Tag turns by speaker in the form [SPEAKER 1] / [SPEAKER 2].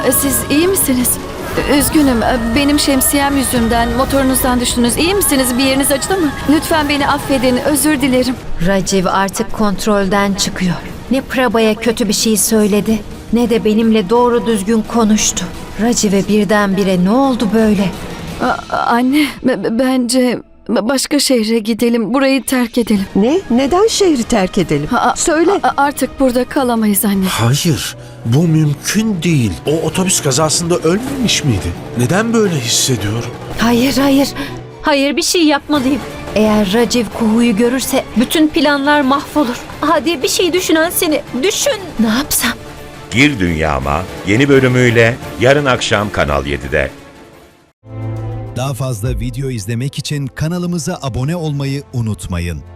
[SPEAKER 1] Siz iyi misiniz? Üzgünüm. Benim şemsiyem yüzünden motorunuzdan düştünüz. İyi misiniz? Bir yeriniz acıdı mı? Lütfen beni affedin. Özür dilerim.
[SPEAKER 2] Raciv artık kontrolden çıkıyor. Ne Prabha'ya kötü bir şey söyledi, ne de benimle doğru düzgün konuştu. Raciv'e birdenbire ne oldu böyle?
[SPEAKER 1] Anne, bence başka şehre gidelim. Burayı terk edelim.
[SPEAKER 3] Ne? Neden şehri terk edelim? Söyle.
[SPEAKER 1] Artık burada kalamayız anne.
[SPEAKER 4] Hayır, bu mümkün değil. O otobüs kazasında ölmemiş miydi? Neden böyle hissediyor?
[SPEAKER 2] Hayır, hayır. Hayır, bir şey yapmalıyım. Eğer Raciv Kuhu'yu görürse bütün planlar mahvolur. Hadi bir şey düşünen seni. Düşün. Ne yapsam?
[SPEAKER 5] Gir Dünyama yeni bölümüyle yarın akşam Kanal 7'de.
[SPEAKER 6] Daha fazla video izlemek için kanalımıza abone olmayı unutmayın.